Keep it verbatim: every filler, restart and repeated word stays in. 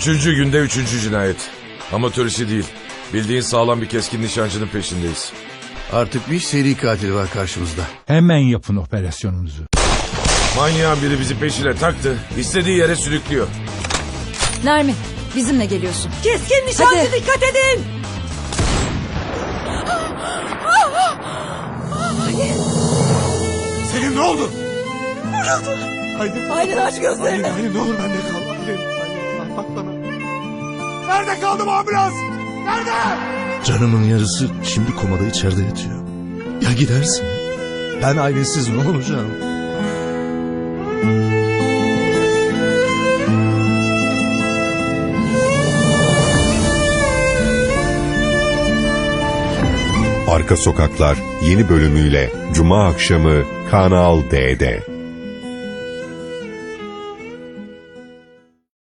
Üçüncü günde üçüncü cinayet. Amatör işi değil. Bildiğin sağlam bir keskin nişancının peşindeyiz. Artık bir seri katil var karşımızda. Hemen yapın operasyonunuzu. Manyağın biri bizi peşine taktı. İstediği yere sürüklüyor. Nermin, bizimle geliyorsun. Keskin nişancı, Hadi. dikkat edin. Selim ne oldu? Aylin. Aylin aç gözlerini. Aylin, Aylin ne olur bende kal. Aylin, Aylin bak bana. Nerede kaldı bu ambulans? Nerede? Canımın yarısı şimdi komada içeride yatıyor. Ya gidersin? Ben ailesiz ne olacağım? Arka Sokaklar yeni bölümüyle Cuma akşamı Kanal D'de.